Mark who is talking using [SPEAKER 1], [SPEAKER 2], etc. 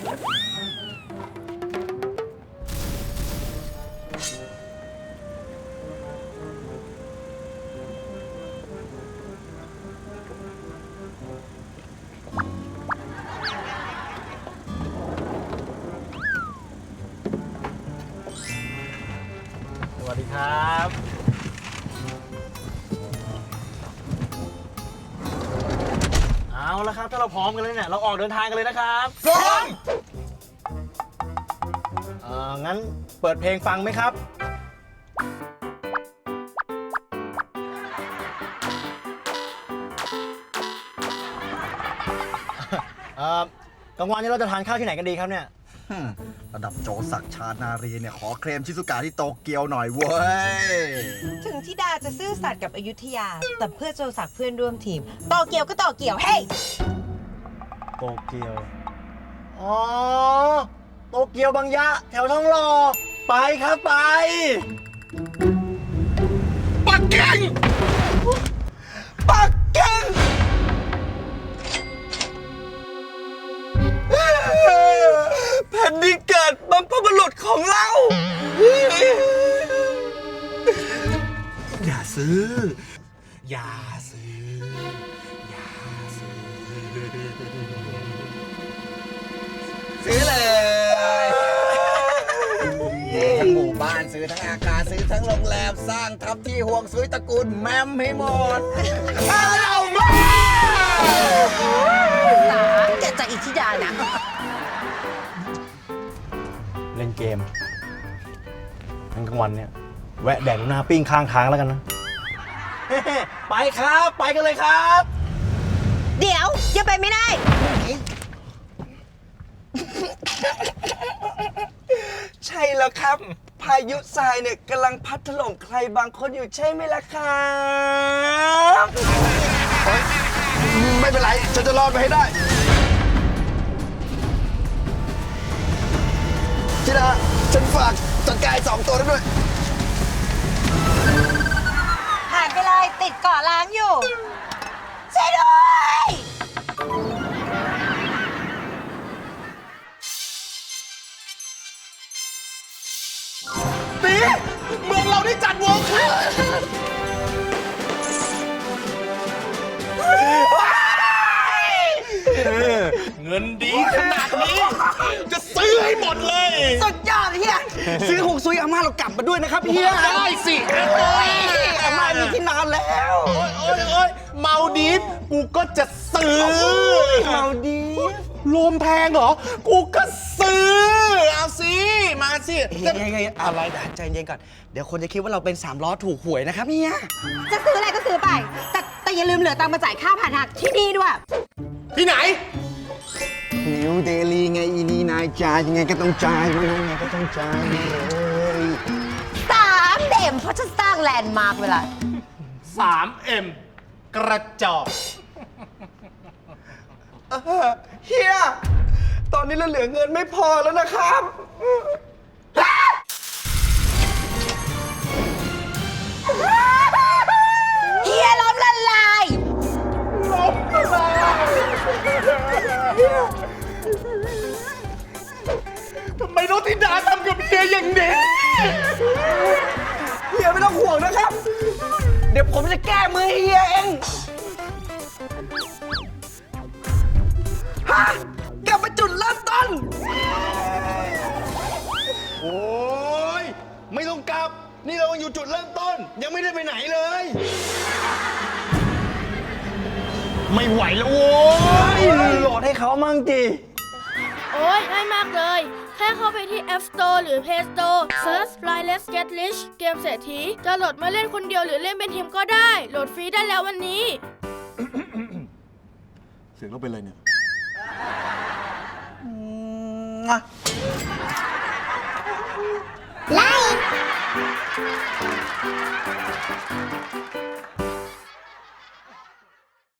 [SPEAKER 1] สวัสดีครับเอาละครับถ้าเราพร้อมกันเลยเนี่ยเราออกเดินทางกันเลยนะครับพร้อมงั้นเปิดเพลงฟังไหมครับกลางวันนี้เราจะทานข้าวที่ไหนกันดีครับเนี่ย
[SPEAKER 2] ระดับโจศักดิ์ชานารีเนี่ยขอเคลมชิซุกะที่โตเกียวหน่อยเว้ย
[SPEAKER 3] ถึงที่ดาจะซื่อสัตย์กับอยุธยา แต่เพื่อโจศักดิ์เพื่อนร่วมทีมต่อเกี่ยวก็ต่อเกี่ยวเฮ้ย
[SPEAKER 1] โตเกียวอ๋อโตเกียวบางยะแถวทองหล่อไปครับไปปักกิ่งปักกิ่งแผ่นดินเกิดบรรพบุรุษของเรา อย่าซื้อ อย่าซื้อ อย่าซื้อ
[SPEAKER 2] ซื้อเลยทั้งหมู่บ้านซื้อทั้งอาคารซื้อทั้งโรงแรมสร้างทับที่ห่วงซุยตระกูลแมมให้หมดเอามา
[SPEAKER 3] สาแกจากอิทธิดานะ
[SPEAKER 1] เล่นเกมทั้งกลางวันเนี่ยแวะแดกหน้าปิ้งข้างทางแล้วกันนะ ไปครับ ไปกันเลยครับ
[SPEAKER 3] เดี๋ยวยังไปไม่ได้
[SPEAKER 4] ใช่แล้วครับ พายุทรายเนี่ยกำลังพัดถล่มใครบางคนอยู่ใช่ไหมล่ะครับ
[SPEAKER 2] ไม่เป็นไรฉันจะรอดไปให้ได้ชิดาฉันฝากจัดการ2 ตัวนั้นด้วย
[SPEAKER 3] ผ่านไปเลยติดเกาะล้างอยู่ช่วยด้วย
[SPEAKER 1] ตีเมืองเราได้จัดวงครับเงินดีขนาดนี้ จะซื้อให้หมดเลย
[SPEAKER 4] สุดยอดเฮียซื้อหงซุยอาม่าเรากลับมาด้วยนะครับเฮีย
[SPEAKER 1] ได้สิ
[SPEAKER 4] อาม่ามีที่นอนแล้ว
[SPEAKER 1] โอ๊ยเมาดีฟกูก็จะซื้อ
[SPEAKER 4] เมาดี
[SPEAKER 1] รวมแพงเหรอ กูก็ซื้อ เอาสิ มาสิ
[SPEAKER 4] เฮ้ยอะไรใจเย็นก่อน เดี๋ยวคนจะคิดว่าเราเป็น3 ล้อถูกหวยนะครับเฮีย
[SPEAKER 3] จะซื้ออะไรก็ซื้อไป แต่อย่าลืมเหลือตังค์มาจ่ายค่าผ่านทางที่นี่ด้วย
[SPEAKER 1] ที่ไหน
[SPEAKER 2] นิวเดลีไงอีนี่นายจ่ายยังไงก็ต้องจ่ายยังไงก็ต้องจ่ายเลย
[SPEAKER 3] 3 เด่มเพราะจะสร้างแลนด์มาร์คเวลา
[SPEAKER 1] 3M กระจอก
[SPEAKER 4] เฮีย ตอนนี้เราเหลือเงินไม่พอแล้วนะครับ
[SPEAKER 3] เฮียล้มละลาย
[SPEAKER 1] ทำไมน้องธิดาทำกับเฮียอย่างนี้
[SPEAKER 4] เฮียไม่ต้องห่วงนะครับ เดี๋ยวผมจะแก้มือให้เฮียเอง ฮะ กลับมาจุดเริ่มต้น
[SPEAKER 1] โอ้ย ไม่ต้องกลับ นี่เรายังอยู่จุดเริ่มต้น ยังไม่ได้ไปไหนเลย ไม่ไหวแล้วโว้ย
[SPEAKER 4] โหลดให้เขามั่งจี
[SPEAKER 5] โอ้ยง่ายมากเลย แค่เข้าไปที่ App Store หรือ Play Store Search Fly Let's Get Rich เกมเศรษฐีจะโหลดมาเล่นคนเดียวหรือเล่นเป็นทีมก็ได้ โหลดฟรีได้แล้ววันนี้
[SPEAKER 1] เสียงเราเป็นอะไรเนี่ย
[SPEAKER 3] ไล่